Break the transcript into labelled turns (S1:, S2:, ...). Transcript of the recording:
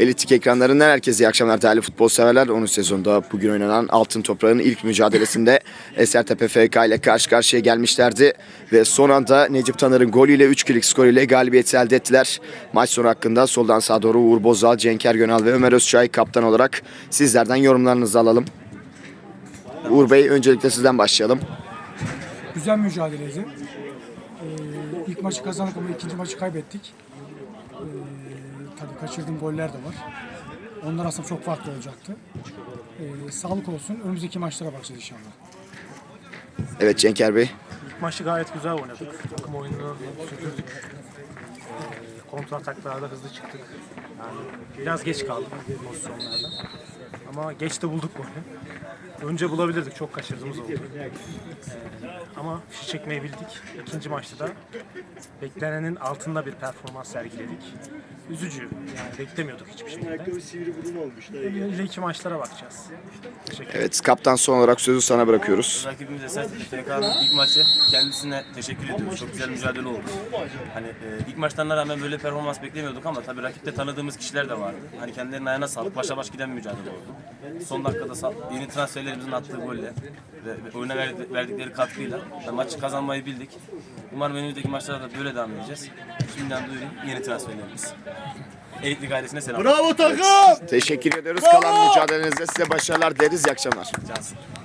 S1: Elitik ekranlarından herkese iyi akşamlar değerli futbol severler. 10. sezonda bugün oynanan Altın Toprağ'ın ilk mücadelesinde Esertepe FK ile karşı karşıya gelmişlerdi. Ve son anda Necip Taner'in golüyle 3-2'lik skoruyla galibiyeti elde ettiler. Maç sonu hakkında soldan sağa doğru Uğur Bozal, Cenk Ergönal ve Ömer Özçay kaptan olarak sizlerden yorumlarınızı alalım. Uğur Bey, öncelikle sizden başlayalım.
S2: Güzel mücadeleydi. İlk maçı kazandık ama ikinci maçı kaybettik. Tabii kaçırdığım goller de var. Onlar aslında çok farklı olacaktı. Sağlık olsun. Önümüzdeki maçlara bakacağız inşallah.
S1: Evet Cenker Bey.
S3: İlk maçı gayet güzel oynadık. Takım oyununu sürdürdük. Kontra ataklarda hızlı çıktık. Yani biraz geç kaldık pozisyonlarda. Ama geç de bulduk golü. Önce bulabilirdik. Çok kaçırdığımız oldu. Ama fişi çekmeyi bildik. İkinci maçta da beklenenin altında bir performans sergiledik. Üzücü. Yani beklemiyorduk hiçbir şekilde. İleriki maçlara bakacağız. Teşekkür ederim.
S1: Evet, kaptan, son olarak sözü sana bırakıyoruz.
S4: Rakibimiz Esertepe FK'nın ilk maçı, kendisine teşekkür ediyoruz. Çok güzel mücadele oldu. Hani ilk maçlarına rağmen böyle performans beklemiyorduk ama tabii rakipte tanıdığımız kişiler de vardı. Hani kendilerinin ayağına sağlık, başa baş giden bir mücadele oldu. Son dakikada yeni transferlerimizin attığı golle ve oyuna verdikleri katkıyla maçı kazanmayı bildik. Umarım önümüzdeki maçlarda da böyle devam edeceğiz. Şimdiden duyurayım, yeni transferlerimiz. Elitlik ailesine selam.
S1: Bravo takım! Teşekkür ediyoruz. Kalan mücadelenizde size başarılar dileriz. İyi akşamlar.
S4: Cansın.